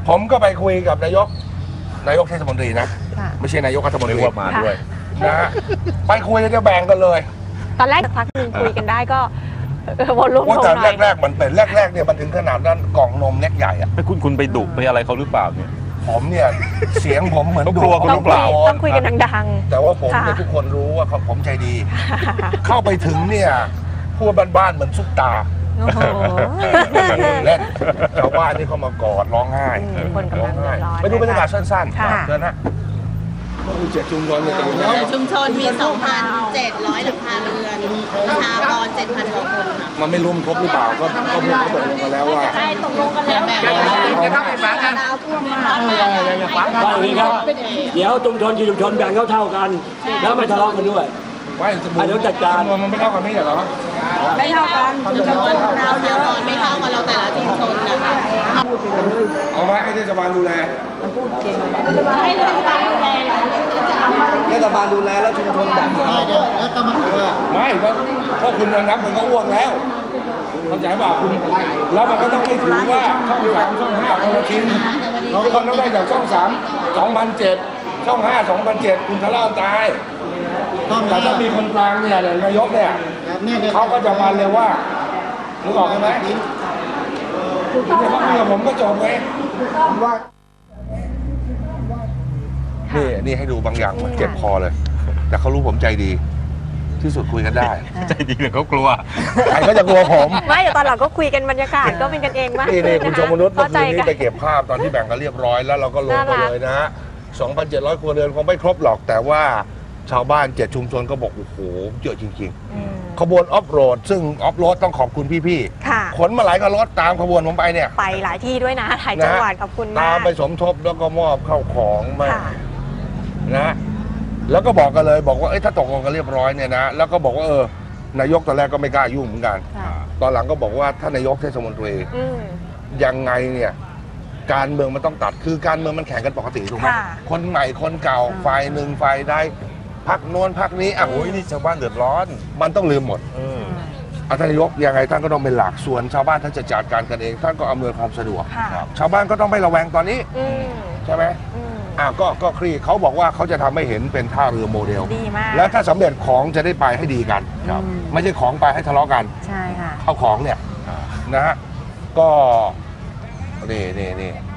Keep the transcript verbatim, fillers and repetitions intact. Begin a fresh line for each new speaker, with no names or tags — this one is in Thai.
ผมก็ไปคุยกับนายกนายกเทศมนตรีนะไม่ใช่นายกรัฐมนตรี
มาด้วย
นะฮะไปคุยจะแบ่งกันเลย
ตอนแรกพักหนึ่งคุยกันได้ก็วนลุ่มลงหน่อย
แต่แรกๆมันเป็นแรกๆเนี่ยมันถึงขนาดนั้นกล่องนมเล็กใหญ่อะ
คุณคุณไปดุไปอะไรเขาหรือเปล่าเนี่ย
ผมเนี่ยเสียงผมเหมือน
กลัวคุณหรือเปล่า
ต้องคุยกันดัง
ๆแต่ว่าผมเนี่ยทุกคนรู้ว่าผมใจดีเข้าไปถึงเนี่ยพูดบ้านๆเหมือนซุปตาเล่นชาวบ้านนี่เขามากอดร้องไห้ร้องไห้ไปดูบรรยากาศสั้นๆเดินนะเจ็ดชุมชนเนี่ย
ชุมชนมี สองพันเจ็ดร้อย หลังคาเรือนประชากร เจ็ดพัน กว่าคนค่ะ
มันไม่รวมครบหรือเปล่าก็ก็พูดเขาตกลงกันแล้วว่า
ใช่ตกลงกันแล้วแบบนี้
ครับไปฟังกันเดี๋ยวชุมชนชุมชนแบ่งเท่าๆกันแล้วไม่ทะเลาะกันด้วย
ไม่เดี๋ยวจัดการมันไม่เท่ากันไม่ใช่เหรอ
ไม่เท่ากันชุมชนเราเยอะไม่เท่ากันเราแต่ละชุมชนนะคะ
เอาไว้ให้เทศบาลดูแล
ให้เทศบาลดูแล
เทศบาลดูแลแล้วชุมชนจัดไม่ก็เพราะคุณนับมันก็อ้วกแล้วเข้าใจป่ะคุณแล้วมันก็ต้องไม่ถือว่าช่องสามช่องห้าคนละชิ้นทุกคนต้องได้จากช่องสามสองพันเจ็ดช่องห้าสองพันเจ็ดคุณทะเลาะตายแต่ถ้ามีคนกลางเนี่ยนายกเนี่ยเขาก็จะมาเลยว่านึกออกไหมเนี่ยเขาคุยกับผมก็จบไงว่านี่นี่ให้ดูบางอย่างมันเจ็บคอเลยแต่เขารู้ผมใจดีที่สุดคุยกันได้
ใจดีหรือเขากลัว
ใครก็จะกลัวผม
ไม่แต่ตอนหลังก็คุยกันบรรยากาศก็เป็นกันเองมาก
นี่นี่คุณชมนุษย์เมื่อคืนนี้ไปเก็บภาพตอนที่แบ่งกันเรียบร้อยแล้วเราก็ลงไปเลยนะฮะ สองพันเจ็ดร้อย ครัวเรือนคงไม่ครบหรอกแต่ว่าชาวบ้านเจ็ดชุมชนก็บอกโอ้โหเยอะจริงๆขบวนออฟโรดซึ่งออฟโรดต้องขอบคุณพี่ๆขนมาหลายกระรถตามขบวนผมไปเนี่ย
ไปหลายที่ด้วยนะหลายจังหวัดขอบคุณมาก
ตามไปสมทบแล้วก็มอบเข้าของมานะแล้วก็บอกกันเลยบอกว่าเอ้ยถ้าตกลงกันเรียบร้อยเนี่ยนะแล้วก็บอกว่าเออนายกตอนแรกก็ไม่กล้ายุ่งเหมือนกันตอนหลังก็บอกว่าถ้านายกเทศมนตรียังไงเนี่ยการเมืองมันต้องตัดคือการเมืองมันแข่งกันปกติถูกไหมคนใหม่คนเก่าฝ่ายหนึ่งฝ่ายใดพักโน้นพักนี้อ่ะโอ้ยนี่ชาวบ้านเดือดร้อนมันต้องลืมหมดท่านนายกยังไงท่านก็ต้องเป็นหลักส่วนชาวบ้านท่านจะจัดการกันเองท่านก็อำนวยความสะดวกชาวบ้านก็ต้องไม่ระแวงตอนนี้ใช่ไหมอ่ะก็ก็คลี่เขาบอกว่าเขาจะทำให้เห็นเป็นท่าเรือโมเดลแล้วถ้าสำเร็จของจะได้ไปให้ดีกันไม่ใช่ของไปให้ทะเลาะกัน
ใช่ค่ะ
เอาของเนี่ยนะฮะก็นี่นี่นี่